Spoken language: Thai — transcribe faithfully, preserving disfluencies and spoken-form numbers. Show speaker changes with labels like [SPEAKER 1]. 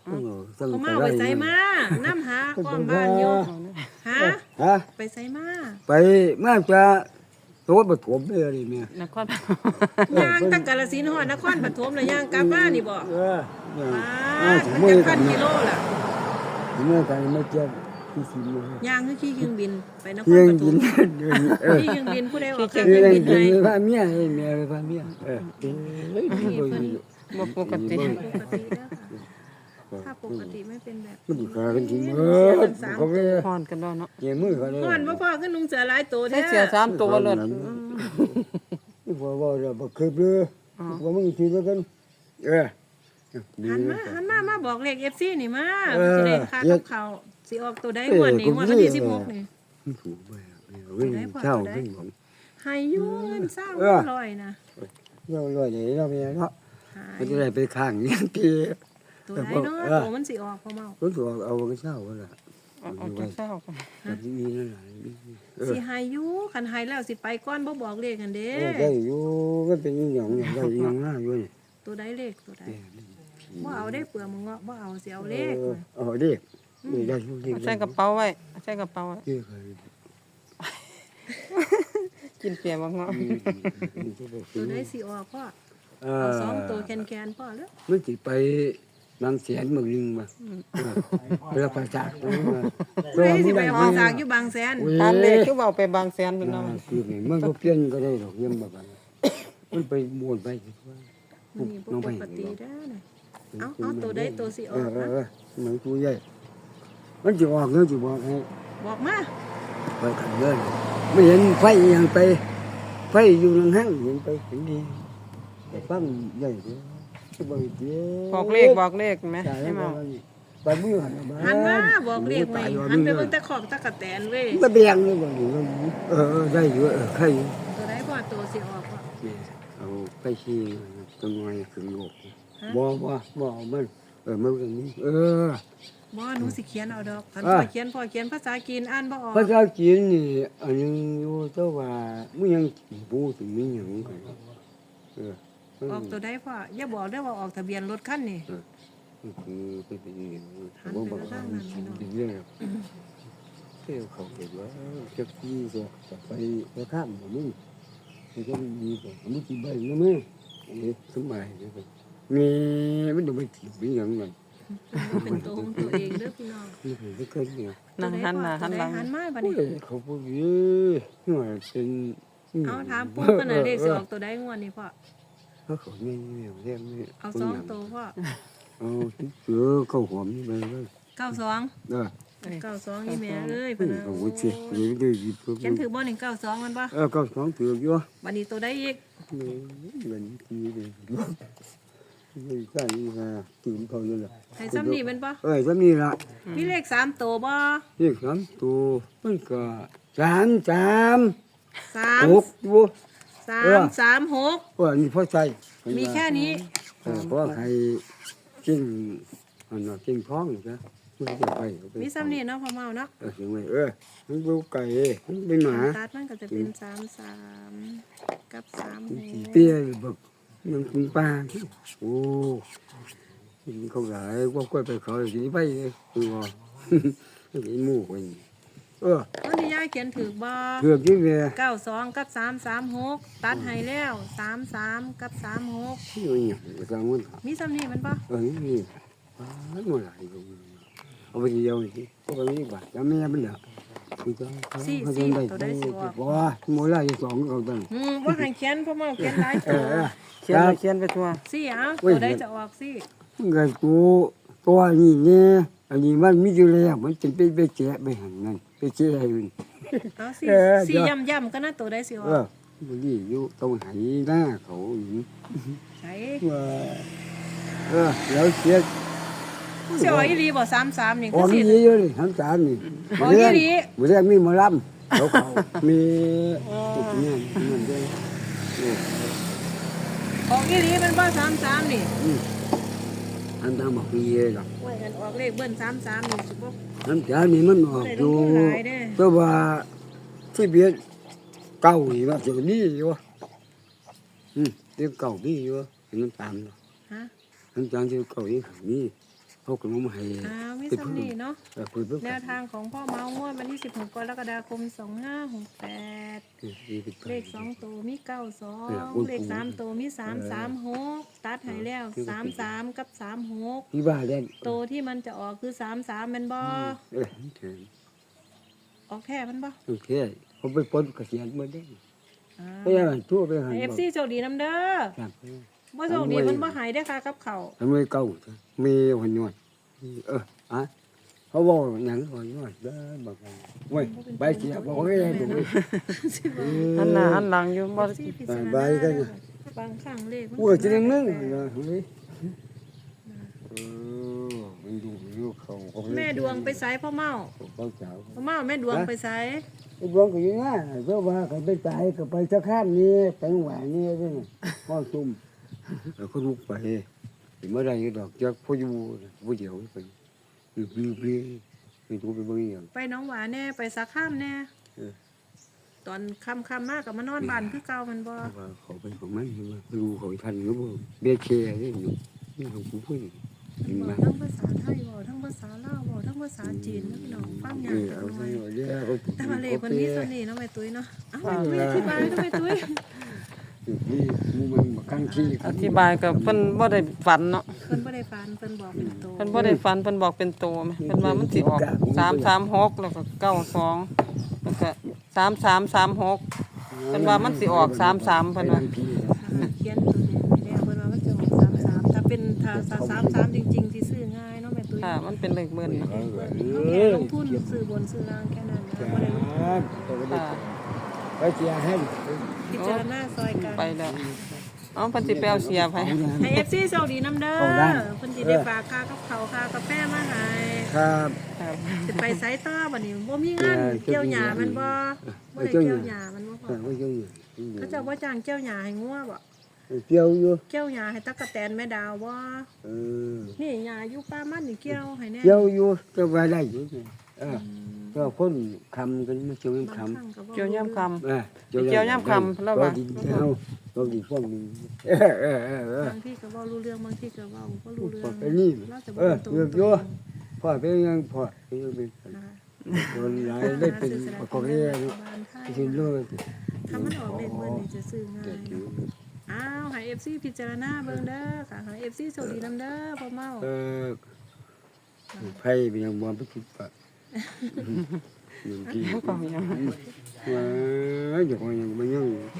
[SPEAKER 1] เขามาไปใส่มาน้ำหาก้อมบ้านอยู่หา
[SPEAKER 2] ฮะ
[SPEAKER 1] ไปใส่มา
[SPEAKER 2] ไปมาจะตัวปฐมเลยนี่แม่
[SPEAKER 3] นคร
[SPEAKER 1] ย่างตั้งกาฬสินธุ์ฮอดนครปฐมแล้วย่างกลับมานี่บ่
[SPEAKER 2] เออ
[SPEAKER 1] ป้าดมันจะพันกิโลล่ะ
[SPEAKER 2] เมื่อกันไม่เจ็บที่สิเลย
[SPEAKER 1] ย่างคือขี่เครื่องบินไปนคร
[SPEAKER 2] เพียง
[SPEAKER 1] ปฐ
[SPEAKER 2] กิ
[SPEAKER 1] ม
[SPEAKER 2] นเออ
[SPEAKER 1] ขี่เครื่องบินผู้ใดออกเค
[SPEAKER 2] เพี
[SPEAKER 1] รื่
[SPEAKER 2] ย
[SPEAKER 1] อง
[SPEAKER 2] ง
[SPEAKER 1] บิน
[SPEAKER 2] กิน
[SPEAKER 1] ไหน
[SPEAKER 2] พาเมียให้เมียพาเมียเออ
[SPEAKER 3] บ่ปกติ
[SPEAKER 1] ปกติแล้วค่ะถ้าปกติไม่เป็นแบบ
[SPEAKER 2] มันดีขากันจริงเอ
[SPEAKER 1] เสีย
[SPEAKER 2] อ
[SPEAKER 1] กันสาม
[SPEAKER 2] เขาไป
[SPEAKER 3] พรกันแล้วเนาะ
[SPEAKER 2] เกี่ยมือเขาเลย
[SPEAKER 1] ก่อนบ่พอขึ้นลุงเสือหลายตัว
[SPEAKER 3] ใช้
[SPEAKER 1] แท้
[SPEAKER 3] เสียสามตัวเลย
[SPEAKER 2] ว่าว่าจะบักคืบเลยว่ามึงทีแล้วกันเออ
[SPEAKER 1] หันมาหันมามาบอกเลข เอฟ ซี นี่มา
[SPEAKER 2] เออ
[SPEAKER 1] สิได้ค่ากับข้าวสิออกตัวใดงวดนี้งวดวันที่สิบหกนี่
[SPEAKER 2] ถูกไปเว้ยเช่าขึ้นผม
[SPEAKER 1] ให้อยู่เงินเศร้าร้อยนะ
[SPEAKER 2] เราลอยอย่างนี้เราไม่เนาะ
[SPEAKER 1] หา
[SPEAKER 2] มัน
[SPEAKER 1] ย
[SPEAKER 2] จะได้ไปข้างนี้พี่
[SPEAKER 1] ตัวใดเนาะตัวมันสิออกพอเมา
[SPEAKER 2] รู้สึกเอาไปเช่าก็ละ
[SPEAKER 3] เอาเอาจากเศร้ากัน
[SPEAKER 2] แบบนี้นั่นแหละเออ
[SPEAKER 1] สิให้อยู่คันให้แล้วสิไปก่อนบ่บอกเลขกันเด้
[SPEAKER 2] ได้อยู่ก็เป็นอย่างอย่างได้อย่างน่าอยู่นี่
[SPEAKER 1] ตัวใดเลขตัวใดบ่เอาได้เปลือกมึงเงาะบ่เอาสิเอาเลข
[SPEAKER 2] เออเด็กนี่ได้ทุกที
[SPEAKER 3] เอาใส่กระเป๋าไว้เอาใส่กระเป๋าไว้
[SPEAKER 2] เด็กเคย
[SPEAKER 3] กินเปียกบ่เนาะ
[SPEAKER 1] ตัวใดสิออกพ่อ
[SPEAKER 2] เอ
[SPEAKER 1] เอา
[SPEAKER 2] อ
[SPEAKER 1] สองตัวแคนๆพ่อเด้อ
[SPEAKER 2] มันจะไปบางแสนเมืองนึงมาเวลาประสาทมา
[SPEAKER 1] ใครสิไปหอสากอยู่บางแสน
[SPEAKER 3] ตามเลขคือเว้าไปบางแสนเพิ่นเนาะ
[SPEAKER 2] คือมันก็เปลี่ยนก็ได้หรอกยังแบบมันไปมวนไป
[SPEAKER 1] มันนี่บ่ปกติเด้อน่ะเอาเอาตัวใดตัวสิอ
[SPEAKER 2] เอ
[SPEAKER 1] อ
[SPEAKER 2] อก เอ
[SPEAKER 1] นะ
[SPEAKER 2] อเหมือนกูใหญ่มันจะออกแล้วจะบอกให้
[SPEAKER 1] บอกมา
[SPEAKER 2] ไปกันเลยไม่เห็นไฟยังไปไฟอยู่ในห้างเห็นไปเห็นดีแต่ฟังใหญ่เลยจะบอกเจ๊
[SPEAKER 3] บอกเลขบอกเลขไหม
[SPEAKER 2] จ่าย
[SPEAKER 3] ให้
[SPEAKER 2] มา
[SPEAKER 3] มา
[SPEAKER 2] ไปมือหัน
[SPEAKER 1] หันมาบอกเลขไว้หันไปเบิ่งแต่ขอบตะกะแตนเว้ย
[SPEAKER 2] ก็เบียงเลยบอกอยู่เออได้อยู่เออใคร
[SPEAKER 1] ตัวใดพ่อตัวสิออกพ่อ
[SPEAKER 2] เอาไปชี้ตัวน้อยขึ้นโลกบ่บ่บ่มันเออมันอย่างนี้เออ
[SPEAKER 1] บ่หนูสิเขียนเอาดอกคัน
[SPEAKER 2] อ่า
[SPEAKER 1] พ่อเขียนพ่อเขียนภาษาจีนอ่านบ่ออก
[SPEAKER 2] ภาษาจีนนี่อันนึงอยู่แต่ว่ามึงยังพูดถึงมีหยังเออ
[SPEAKER 1] ออกตัวใดพ่ออย่าบอกเด้อว่าออกทะเบียนรถคันนี่
[SPEAKER 2] คือเป็นอย่างนี้
[SPEAKER 1] หันไปทางนั้นพี่น้อง
[SPEAKER 2] เป็นเรื่องเที่ยวเขาเก็บว่าจะที่จะจะไปไปข้ามมึงมันก็ดีกว่ามึงกี่ใบนะมึงอันนี้สมัยนี่มีมันต้องไปถีบไปอย่างนั้น
[SPEAKER 1] มันเป็นตัวของตัวเองเด้อพี่น้อง
[SPEAKER 2] นี่คือก็เคยเนี่ย
[SPEAKER 3] นั่งหันหน้าหันหลัง
[SPEAKER 1] หันมาบัด
[SPEAKER 2] โอ้
[SPEAKER 1] นี้
[SPEAKER 2] ยเขาพูดเยอะหน่อยเป็น
[SPEAKER 1] เอาถามปุ๊บกันน่ะเลขสิออกตัวใดงวดนี้พ่อ
[SPEAKER 2] เขาเขาไม่เนี่ยเรียกไม่
[SPEAKER 1] เอาสองตัวพ่อ
[SPEAKER 2] เอาเสือเขาหอมนี่ไปเลย
[SPEAKER 1] เก้าสอง
[SPEAKER 2] เออ
[SPEAKER 1] เก้าสองนี่แม่เอ้ยเพิ่นน่ะ
[SPEAKER 2] โอ้โหเสียเดี๋ยวได้หยิบ
[SPEAKER 1] เขียนถือบ่หนึ่งเก้าสองมันบ่
[SPEAKER 2] เออก็สองถืออยู่
[SPEAKER 1] บัดนี้ตัวใดอีก
[SPEAKER 2] นี่เงินทีเลยนี่ใช่ฮะตื่นเขาอยู่ละ
[SPEAKER 1] ให้ซ้ำนี่แม่นบ่
[SPEAKER 2] เอ้ยซ้ำนี่ละ
[SPEAKER 1] มีเลขสามตัวบ่
[SPEAKER 2] นี่สามตัวมันก็สามสาม
[SPEAKER 1] สาม
[SPEAKER 2] หกตัว
[SPEAKER 1] สามสามหก
[SPEAKER 2] ว่านี่พ่อใจ
[SPEAKER 1] มีแค่นี้
[SPEAKER 2] เออเพราะใครกินอันนั้นกินท้องนะมันจะไป
[SPEAKER 1] มีซ้ำนี่เนาะพ่อเมาเนาะ
[SPEAKER 2] เออถึงไงเออมันดูไก่มันเป็นหมา
[SPEAKER 1] ตัดมันก็จะเป็นสามสามกับสามหก
[SPEAKER 2] เตี้ยแบบยังกินปลาโอ้กินเขาหลายว่าก้อยไปเขาสิไปเลยคือว่ากินหมูไปเออ
[SPEAKER 1] วันนี้ยายเขียนถือบ่
[SPEAKER 2] เกือบที่เวีย
[SPEAKER 1] เก้าสองกับสามสามหกตัดให้แล้วสามสามกับสามหก
[SPEAKER 2] ที่อยู่เนี่ยกลางวัน
[SPEAKER 1] มีซ้ำนี่มันบ่
[SPEAKER 2] เออนี่ปลาหมดหลายก็เอาไปเดียวนี่พวกนี้บาทแล้วแม่มันเหรอคือจะเขาจะได้ว่าหมดหลายสองเขาตั้ง
[SPEAKER 1] อืมว่าให้เขียนพ่อเมาเขียนหลาย
[SPEAKER 2] เอ
[SPEAKER 1] ตัว
[SPEAKER 2] อ
[SPEAKER 3] เขียนไปเขียนไปทั่ว
[SPEAKER 1] สิเอาตัวใดจะออกสิ
[SPEAKER 2] เงินกูตัวนี้เนี่ยอันนี้มันมีอยู่แล้วมันจะไปไปแจกไปหันนั่นไปแจกให้มัน
[SPEAKER 1] เอาสิ
[SPEAKER 2] เออ
[SPEAKER 1] สิย่ำย่ำๆก็น่าตัวใดสิอ
[SPEAKER 2] เอ
[SPEAKER 1] อ
[SPEAKER 2] อก มันนี่อยู่ตรงไหหน้าเขาอยู่
[SPEAKER 1] ใช่
[SPEAKER 2] ว่าเออแล้วเสีย
[SPEAKER 1] สิออกอีหลีบ่สามสามนี่
[SPEAKER 2] อ
[SPEAKER 1] คือ
[SPEAKER 2] อก
[SPEAKER 1] สิ
[SPEAKER 2] นี่เยอะเลยทั้งสารนี่
[SPEAKER 1] ออกอีหลี
[SPEAKER 2] มื้อแรกมีหมอลำเขาเขามีเนี่ยมันด้วย
[SPEAKER 1] ออกอีหลีมันบ่สามสามนี่
[SPEAKER 2] อันทำบอกมีเยอะหรอก
[SPEAKER 1] ไว้กันออกเลขเบิ้นสามสามนี่สิบ่
[SPEAKER 2] ทั้งสารนี่มันออกอยู่แต่ว่าที่เบียดเก่านี่ว่าจะดีอยู่อืมเดี๋ยวเก่าดีอยู่เห็นน้ำตาล
[SPEAKER 1] ฮะ
[SPEAKER 2] น้ำตาลที่เก่าอีกนี่เขาก็มาให้
[SPEAKER 1] อ้าวมีสำนีเนาะ
[SPEAKER 2] เออคุยเพิ่ง
[SPEAKER 1] แนวทางของพ่อเมางวดวันที่สิบหกกรกฎาคมสองห้าหกแปดเลขสองตัวมีเก้าสองเลขสามตัวมีสามสามหกตัดให้แล้วสามสามกับสามหก
[SPEAKER 2] พี่บ้าเล่น
[SPEAKER 1] ตัวที่มันจะออกคือสามสามมันบ่
[SPEAKER 2] เออเถิง
[SPEAKER 1] ออกแค่มันบ่
[SPEAKER 2] โอเคผมไปปนเกษียณมาได้
[SPEAKER 1] อ่า
[SPEAKER 2] ไปยังทั่วไปหัน
[SPEAKER 1] เอฟซีโชคดีน้ำเด้อ
[SPEAKER 2] ครับ
[SPEAKER 1] บ่โชคดีมันบ่หายได้อค่ะกับเขาว
[SPEAKER 2] ทำไมเก่ามีหัวหนวดเอออ่ะเขาบอกหนังหัวหนวดเด้อบอกว่าเว้ยใบเสียบอกว่าไงถูกไหม
[SPEAKER 3] หันหน้าหันหลังอยู่บ่
[SPEAKER 1] ซี่พิจารณา
[SPEAKER 2] ใบกัน
[SPEAKER 1] บางครั้งเลขมัน
[SPEAKER 2] พูดจะนึงนึงนะเฮ้ยเออมันดูดูเขาเขา
[SPEAKER 1] แม่ดวงไปไสพ่อเมา
[SPEAKER 2] เขาเจ้า
[SPEAKER 1] พ่อเมาแม่ดวงไปไส
[SPEAKER 2] ไอ้ดวงก็ยังง่ายเพราะว่าเขาไปตายก็ไปสักข้ามนี้ไปหวานนี้ด้วยพ่อซุ่มแล้วก็ลุกไปเมื่อไรดอกจักพ่ออยู่พ่อเดียวไปปลื้มปลื้มปลื้มไปดูไปเบิ่งอย่าง
[SPEAKER 1] ไปหน้องหวานแน่ไปสักข้ามแน่
[SPEAKER 2] เออ
[SPEAKER 1] ตอนค่ำๆมากกับมานอนบ้านคือเก่ามันบ่
[SPEAKER 2] ว่าเขาไปของมันว่าดูเขาทันหรือเปล่าเบี้ยเคนี่อยู่นี่ของผู้พูดจริง
[SPEAKER 1] บ
[SPEAKER 2] ไหม
[SPEAKER 1] อกทั้งภาษาไทยบอกทั้งภาษาลาวบอกทั้งภาษาจีนนะพี่น้องฟังยา
[SPEAKER 2] เอก อ
[SPEAKER 1] จั
[SPEAKER 2] เอา
[SPEAKER 1] ง
[SPEAKER 2] ไป
[SPEAKER 1] เลย
[SPEAKER 2] เดี๋ยวเขา
[SPEAKER 1] แต่ว่าเลขมันมีส่วนนี้เนาะแม่ตุ้ยเนาะเอ้าแม่ตุ้ยอธิบายเนาะแม่ตุ้ย
[SPEAKER 2] นี่มูมันมาข้างที่
[SPEAKER 3] อธิบายก็เพิ่นบ่ได้ฝันเนาะ
[SPEAKER 1] เพิ่นบ่ได้ฟันเพิ่นบอกเป็นโต
[SPEAKER 3] เพิ่นบ่ได้ฝันเพิ่นบอกเป็นโตแม่เพิ่นว่ามันสิออกสามสามหกแล้วก็เก้าสองแล้วก็สามสามสามหกเพิ่นว่ามันสิออกสามสามเพิ่นว่า
[SPEAKER 1] เขียนตัวเดียวไม่ได้เพิ่นว่ามันจะออกสามสามถ้าเป็นถ้าสามสามจริงๆที่ซื้อง่ายเนาะแม่ตุ้ย
[SPEAKER 3] ค่ะ มันเป็นเลขเบิ้ลเนาะ
[SPEAKER 1] เพิ่นเขาแค่ลงทุนซื้อบนซื้อล่างแค่นั้นนะบ่ได้ลงทุน
[SPEAKER 3] ค่ะ
[SPEAKER 2] ไปเสียให้
[SPEAKER 1] พิจารณาซอยกัน
[SPEAKER 3] ไปแล้วเอ๋อเพิ่นสิไปเอาเสียบให้
[SPEAKER 1] ให้ เอฟ ซี โชคดีน้ำเด้อเพิ่นสิได้ฝากค่ากับเขาวค่ากาแฟมาให้
[SPEAKER 2] ครับ
[SPEAKER 3] ครับ
[SPEAKER 1] สิไปไสต่อบัดนี้บ่มีงานเกี่ยวหญ้ามันบ่บ่ได้เกี่ยวหญ้ามันบ่พ
[SPEAKER 2] เอ
[SPEAKER 1] อ
[SPEAKER 2] อไม่เกี่ยวอยู่
[SPEAKER 1] เขาเจ้าบ่จ้างเกี่ยวหญ้าให้งัวบ่
[SPEAKER 2] เกี่ยวอยู่
[SPEAKER 1] เกี่ยวหญ้าให้ตั๊กแตนแม่ดาวบ่
[SPEAKER 2] เออ
[SPEAKER 1] นี่หญ้าอยู่ป่ามันนี่เกี่ยวให้แน่
[SPEAKER 2] เกี่ยวอยู่จะไปได้อยู่เออก็คนคำกันไม่เกี่ยว
[SPEAKER 1] บาง
[SPEAKER 2] ค
[SPEAKER 1] ครั้งก็บ่
[SPEAKER 3] เกี่ยวย่ำค
[SPEAKER 2] ำเออ
[SPEAKER 3] เกี่ยวย่ำคำแล้ววะ
[SPEAKER 2] ดินเอาเราดินพวกนี้เออเออเออเออบ
[SPEAKER 1] างทีก็เว้ารู้เรื่องบางทีก็เว้าบ่รู้เรื่อง
[SPEAKER 2] ไปนี่
[SPEAKER 1] เราจะบ่
[SPEAKER 2] เออ
[SPEAKER 1] เป็นตัว
[SPEAKER 2] เลือกอยู่พ่อเป็นยังพ่อเป็นยังเป็น
[SPEAKER 1] นะคะ
[SPEAKER 2] คนหลายได้เป็นประกอบเรียน
[SPEAKER 1] บ้านไทย
[SPEAKER 2] เป็นเรื่อง
[SPEAKER 1] ถ้ามันออกเลขเบิ่นนี่จะซื้อง่าย
[SPEAKER 2] เด็กอยู่
[SPEAKER 1] อ้าวให้ เอฟ ซี พิจารณาเบิ่งเด้อค่ะให้ เอฟ ซี โชคดีนำเด้อพ่อเมา
[SPEAKER 2] เออไฟเป็นยังบ่ไปคิดปะอย่างที่
[SPEAKER 3] ำก็ยัง
[SPEAKER 2] ว่าอย่างว่ายังบ่ยัง